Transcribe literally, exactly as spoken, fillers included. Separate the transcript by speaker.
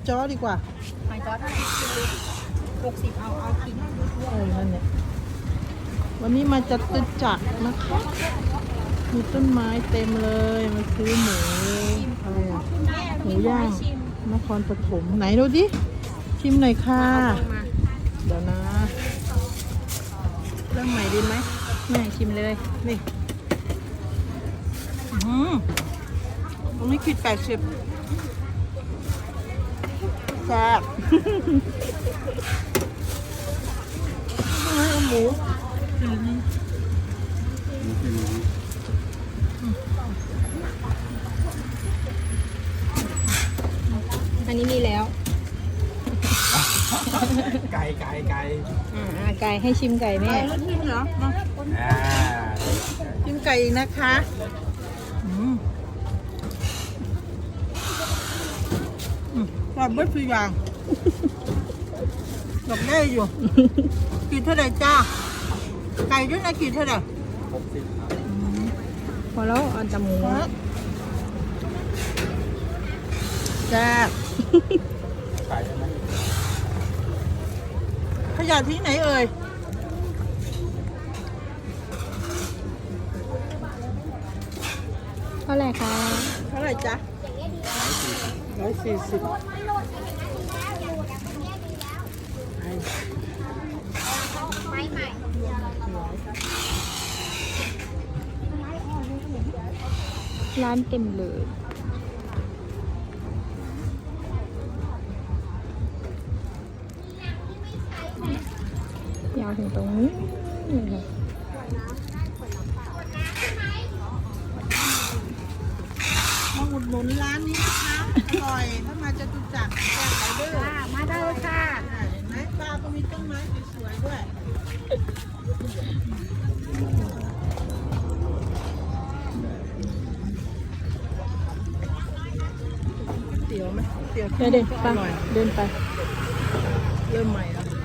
Speaker 1: จ้อดีกว่า
Speaker 2: หอยจ้อเท่าไหร่หกสิบเอาเอากิน
Speaker 1: เออนั่นเนี่ยวันนี้มาจัตุจักรนะคะมีต้นไม้เต็มเลยมาซื้อหมูอะไรอะหมูย่างนครปฐมไหนดูดิชิมหน่อยค่ะเดี๋ยวนะเริ่มใหม่ดีไหม
Speaker 2: แม่ชิมเลย
Speaker 1: นี่อืมตรงนี้ขีดแปดสิบแซ่บเอาหมู
Speaker 2: อันนี้มีแล้ว
Speaker 3: ไก่ไก่ไก่
Speaker 2: อ่าไก่ให้ชิมไก่แม่
Speaker 1: ไก่แล้วชิมเหรอมา
Speaker 3: อ่า
Speaker 1: ชิมไก่อีกนะคะอืมอืมกรอบไม่ทุกอย่างดอกได้อยู่กี่เท่าไหร่จ้าไก่ด้วยนะกี่เท่าไหร่
Speaker 3: หกสิบครับ
Speaker 2: พอแล้วเอาแต่หมู
Speaker 1: แซ่บ
Speaker 3: ไก่ใช่ไหม
Speaker 1: ขยะที่ไหนเอ่ย
Speaker 2: เท่าไหร่คะ
Speaker 1: เท่าไหร่จ๊ะร้อยสี่สิบ
Speaker 2: ร้านเต็มเลยยาวถึงตรงนี้เลย
Speaker 1: มาอุดหนุนร้านนี้นะคะอร่อยถ้ามาจตุจักรแซ่บไรเดอร์
Speaker 2: มาได้เลยค่ะ
Speaker 1: เห็นไหมป้าก็มีต้นไม้สวยๆด้วยเตี๋ยวไหมเตี๋ยว
Speaker 2: เดี๋ยวเดิน
Speaker 1: อ
Speaker 2: ไป
Speaker 1: ร่อย
Speaker 2: เดินไป
Speaker 1: เริ่มใหม่แล้ว